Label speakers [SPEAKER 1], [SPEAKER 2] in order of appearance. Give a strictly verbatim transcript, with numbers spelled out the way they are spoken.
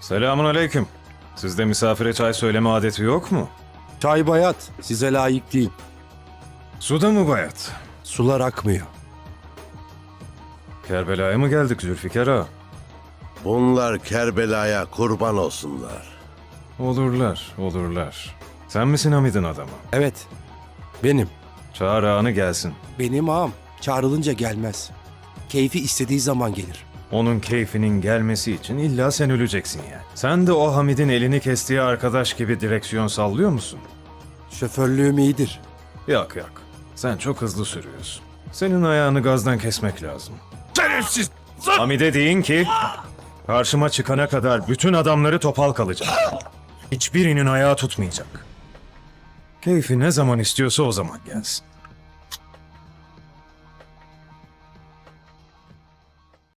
[SPEAKER 1] Selamun aleyküm. Sizde misafire çay söyleme adeti yok mu?
[SPEAKER 2] Çay bayat, size layık değil.
[SPEAKER 1] Suda mı bayat?
[SPEAKER 2] Sular akmıyor.
[SPEAKER 1] Kerbela'ya mı geldik Zülfikar ağa?
[SPEAKER 3] Bunlar Kerbela'ya kurban olsunlar.
[SPEAKER 1] Olurlar, olurlar. Sen misin Hamid'in adamı?
[SPEAKER 2] Evet, benim.
[SPEAKER 1] Çağır ağanı gelsin.
[SPEAKER 2] Benim ağam çağrılınca gelmez. Keyfi istediği zaman gelir.
[SPEAKER 1] Onun keyfinin gelmesi için illa sen öleceksin yani. Sen de o Hamid'in elini kestiği arkadaş gibi direksiyon sallıyor musun?
[SPEAKER 2] Şoförlüğüm iyidir.
[SPEAKER 1] Yok yok. Sen çok hızlı sürüyorsun. Senin ayağını gazdan kesmek lazım.
[SPEAKER 3] Şerefsiz!
[SPEAKER 1] Hamid'e deyin ki karşıma çıkana kadar bütün adamları topal kalacak. Hiçbirinin ayağı tutmayacak. Keyfi ne zaman istiyorsa o zaman gelsin.